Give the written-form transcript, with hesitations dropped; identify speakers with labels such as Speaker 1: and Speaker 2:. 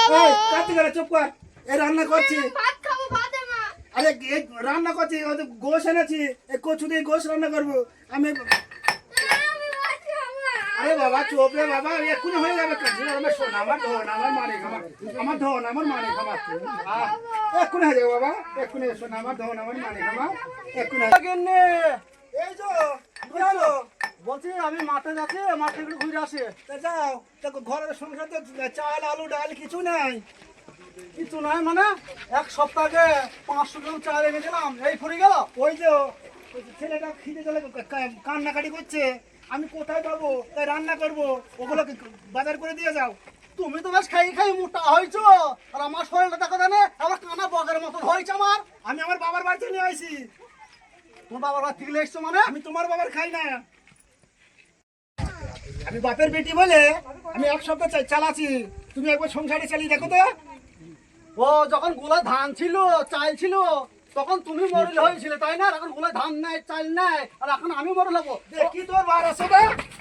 Speaker 1: এই কাটি গেলে চুপ কর। এই রান্না করছি।
Speaker 2: ভাত খাবো, ভাত না।
Speaker 1: আরে এই রান্না করছি, ওই তো গোশ এনেছি, এই কচু দিয়ে গোশ রান্না করবো আমি।
Speaker 2: আমি ভাত খাবো না।
Speaker 1: আরে বাবা চুপ রে বাবা, এক্ষুনি হয়ে যাবে কাজ। আমার শোন, আমার ধন, আমার মালিক, আমার ধন, আমার মালিক, আমার এক্ষুনি হয়ে যাবে বাবা, এক্ষুনি শোন, আমার ধন, আমার মালিক, আমার এক্ষুনি হয়ে যাবে। এই তো কি হলো?
Speaker 3: বলছি আমি মাঠে যাচ্ছি, মাঠে একটু ঘুরে আসি।
Speaker 1: তা যাও, দেখো ঘরের সংসার তো চাল আলু ডাল কিছু নাই।
Speaker 3: কিছু নাই মানে এক সপ্তাহ আগে 500 গ্রাম চাল এনে দিলাম, এই ফুরিয়ে গেল।
Speaker 1: ওই যে ওই যে ছেলেটা খিদে চলে কান্নাকাটি করছে, আমি কোথায় পাবো, তাই রান্না করবো, ওগুলোকে বাজার করে দিয়ে যাও।
Speaker 3: তুমি তো বেশ খাই খাই মোটা হয়েছো, আর আমার শরীরটা দেখো জানে আবার কানা বগের মতন হয়েছে আমার।
Speaker 1: আমি আমার বাবার বাড়িতে নিয়ে আইছি।
Speaker 3: তোমার বাবার বাড়ি থেকে এসছো মানে?
Speaker 1: আমি তোমার বাবার খাই না। আমি বাপের বেটি বলে আমি এক সপ্তাহ চালাচ্ছি। তুমি একবার সংসারে চালিয়ে দেখো তো।
Speaker 3: ও যখন গোলা ধান ছিল, চাল ছিল, তখন তুমি মরল হয়েছিলে তাই না? আর এখন গোলা ধান নাই, চাল নাই, আর এখন আমি মরল হবো।
Speaker 1: দেখি তোর বার আছে না।